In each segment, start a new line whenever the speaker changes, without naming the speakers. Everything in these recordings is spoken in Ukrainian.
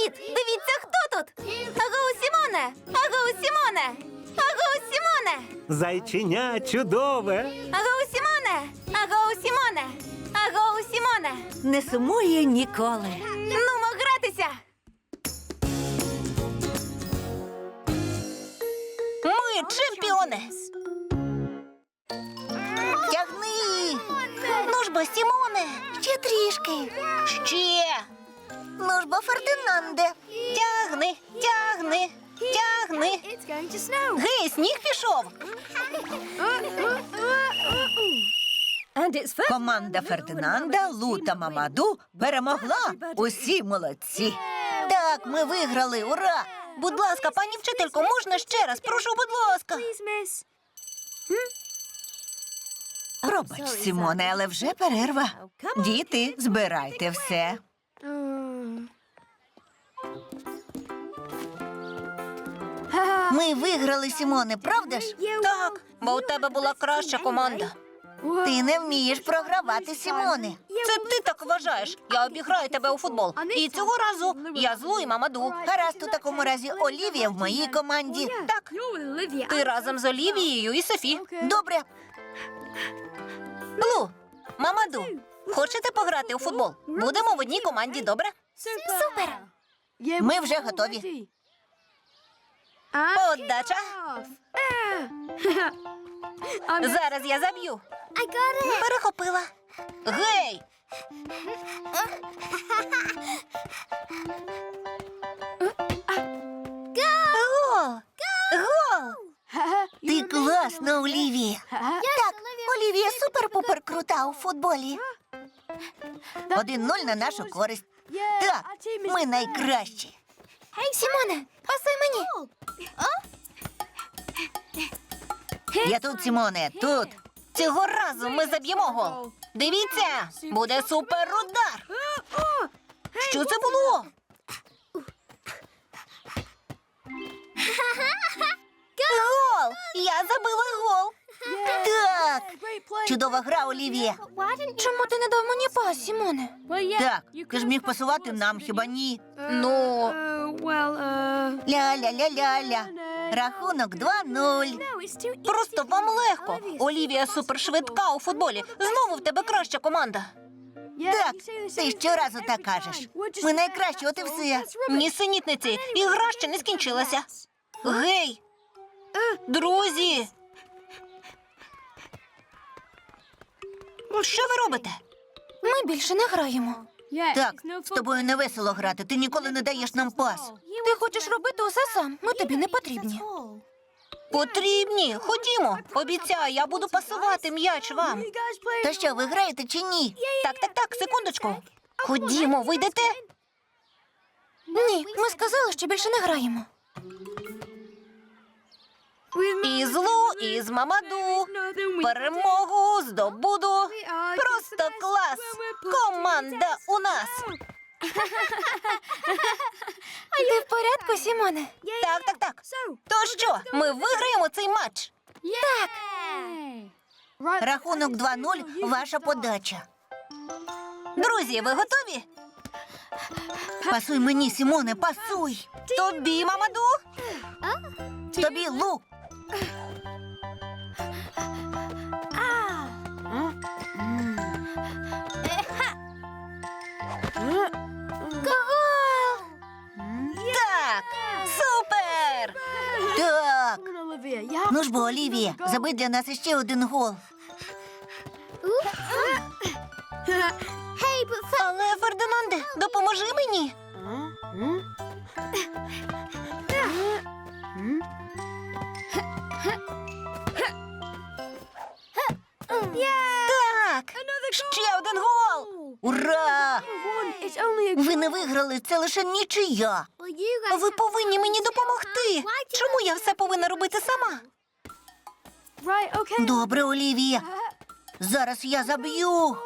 Привіт! Дивіться, хто тут! Агоу, Сімоне! Агоу, Сімоне! Агоу, Сімоне!
Зайченя чудове.
Агоу, Сімоне! Агоу, Сімоне! Агоу, Сімоне!
Не сумує ніколи.
Нумо гратися!
Ми чемпіони. Тягни. Ну ж бо, Сімоне.
Ще трішки!
Ще. Ну ж бо, Фердинанде. Тягни, тягни, тягни. Гей, сніг пішов. Команда Фердинанда, Лу та Мамаду перемогла. Усі молодці. Так, ми виграли, ура! Будь ласка, пані вчителько, можна ще раз? Прошу, будь ласка. Пробач, Сімоне, але вже перерва. Діти, збирайте все. Ми виграли, Сімоне, правда ж? Так, бо у тебе була краща команда. Ти не вмієш програвати, Сімоне. Це ти так вважаєш. Я обіграю тебе у футбол. І цього разу я з Лу і Мамаду. Гаразд, у такому разі Олівія в моїй команді. Так, ти разом з Олівією і Софі. Добре. Лу, Мамаду, хочете пограти у футбол? Будемо в одній команді, добре?
Супер!
Ми вже готові. Подача. Зараз я заб'ю. Перехопила. Гей! Гол! Гол! Ти класна, Олівія. Так, Олівія супер-пупер крута у футболі. 1-0 на нашу користь. Так, ми найкращі.
Сімоне, пасуй мені!
Я тут, Сімоне, тут. Цього разу ми заб'ємо гол. Дивіться, буде суперудар. Що це було? Гол! Я забила гол. Так, чудова гра, Олівія.
Чому ти не дав мені пас, Сімоне?
Так, ти ж міг пасувати нам, хіба ні? Ну, ля-ля-ля-ля-ля. Рахунок 2-0. Просто вам легко. Олівія супершвидка у футболі. Знову в тебе краща команда. Так, ти щоразу так кажеш. Ми найкращі, от і все. Нісенітниці, і гра ще не скінчилася. Гей! Друзі! Що ви робите?
Ми більше не граємо.
Так, з тобою не весело грати, ти ніколи не даєш нам пас.
Ти хочеш робити усе сам, ми тобі не потрібні.
Потрібні, ходімо. Обіцяю, я буду пасувати м'яч вам. Та що, ви граєте чи ні? Так, секундочку. Ходімо, ви йдете?
Ні, ми сказали, що більше не граємо.
І з Лу, і з Мамаду. Перемогу здобуду. Просто клас. Команда у нас.
Ти в порядку, Сімоне?
Так. То що, ми виграємо цей матч?
Так.
Рахунок 2-0, ваша подача. Друзі, ви готові? Пасуй мені, Сімоне, пасуй. Тобі, Мамаду. Тобі, Лу.
Гол!
Так, супер! Так. Ну ж бо, Олівія, забий для нас іще один гол. Але, Фердинанде, допоможи мені. Так, ще один гол. Ура! Ви не виграли, це лише нічия. Ви повинні мені допомогти. Чому я все повинна робити сама? Добре, Олівія. Зараз я заб'ю.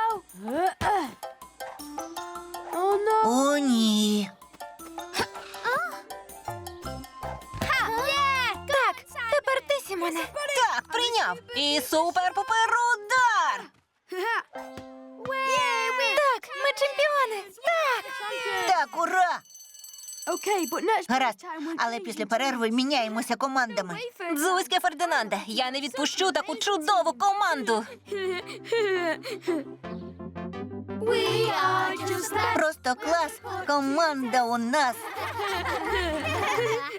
О, ні.
Так, тепер ти, Сімоне.
Так, прийняв. І супер-пупер удар.
Так, ми чемпіони. Так.
Так, ура! Гаразд, але після перерви міняємося командами. Дзузьке Фердинанде, я не відпущу таку чудову команду. Просто клас, команда у нас.